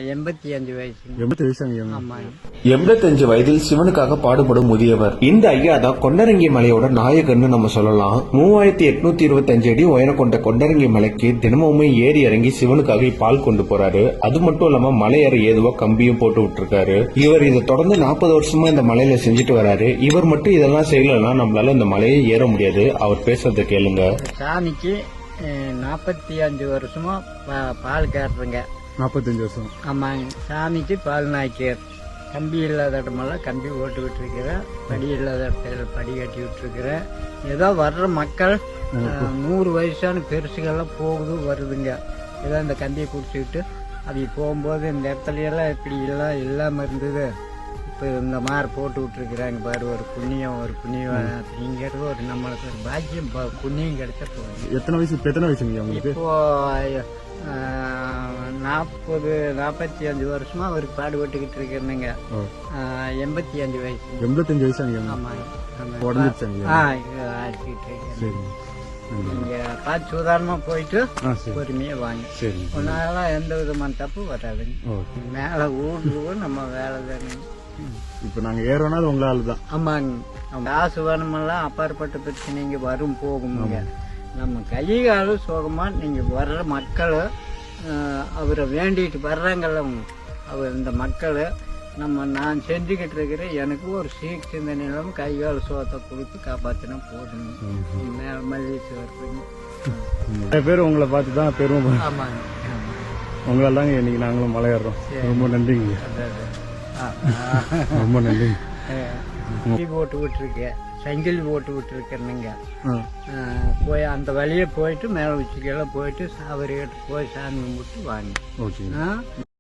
85 வயசு. 85 வயதில் சிவனுக்காக பாடுபடும் முதியவர். இந்த ஐயா தான் கொண்டரங்கி மலையோட நாயகன்னு நம்ம சொல்லலாம். 3825 அடி உயரம் கொண்ட கொண்டரங்கி மலைக்கு தினமுமே ஏறி இறங்கி சிவனுக்காக பால் கொண்டு போறாரு. அது மட்டும் இல்லாம மலையேற ஏதுவா கம்பியும் போட்டு விட்டுருக்காரு. இவர் இதை தொடர்ந்து 40 வருஷமா இந்த மலையில செஞ்சுட்டு வராரு. இவர் மட்டும் இதெல்லாம் செய்யலன்னா நம்மளால இந்த மலையை ஏற முடியாது. அவர் பேசுறத கேளுங்க. சாமிக்கு 45 வருஷமா பால் கேட்டுருங்க. 45 வருஷம். ஆமாங்க. சாமிக்கு பால் நாய்க்கார். கம்பி இல்லாத இடமெல்லாம் கம்பி ஓட்டு விட்டுருக்கிறேன். படி இல்லாத இடத்துல படி கட்டி விட்டுருக்கிறேன். ஏதோ வர்ற மக்கள் 100 வயசான பெருசுகள்லாம் போகுது வருதுங்க. ஏதோ இந்த கம்பியை பிடிச்சிக்கிட்டு அது போகும்போது இந்த இடத்துல எல்லாம் இப்படி எல்லாம் இல்லாம இருந்தது. இப்போ இந்த மாதிரி போட்டு விட்டுருக்குறாங்க பாரு. ஒரு புண்ணியம் அப்படிங்கிறது ஒரு நம்மளுக்கு ஒரு பாக்கியம் புண்ணியம் கிடைச்ச போகுது. எத்தனை வயசுங்க உங்களுக்கு? இப்போ 45 வருஷமா அவருக்கு பாடுபட்டுக்கிட்டு இருக்கிறேங்க. 85 வயசு. 85 வயசு. ஆமாங்க. ஆடிக்கிட்டு நீங்க பார்த்து சுதாரணமா போயிட்டு பொறுமையா வாங்க. ஒன்னால எந்த விதமான தப்பு வராதுங்க. மேல ஊருக்கு நம்ம வேலை தானே. இப்ப நாங்க ஏறோம்னா அது உங்களால தான். ஆமாங்க. காசு வேணுமெல்லாம் அப்பாற்பட்ட பிரச்சனைங்க வரும் போகுங்க. நம்ம கை கால சோகமா நீங்க வர்ற மக்கள் அவரை வேண்டிட்டு வர்றாங்கல்ல, அவர் இந்த மக்கள் நான் செஞ்சுக்கிட்டு இருக்கிறேன். எனக்கு ஒரு சீக் சிந்தனை இல்லாம கை கால சோகத்தை கொடுத்து காப்பாத்தினா போதுங்க. மேல மல்லிகை நிறைய பேர் உங்களை பார்த்து தான் பெருமை. ஆமாங்க. உங்களால தாங்க இன்னைக்கு நாங்களும் மலை ஏறுறோம். ரொம்ப நன்றிங்க. ரொம்ப நன்றி. போட்டு விட்டுருக்கேன். சங்கிலி போட்டு விட்டுருக்கேனுங்க. போய் அந்த வழியே போயிட்டு மேல உச்சிக்கெல்லாம் போயிட்டு அவர்கிட்ட போய் சாமி கும்பிட்டு வாங்க.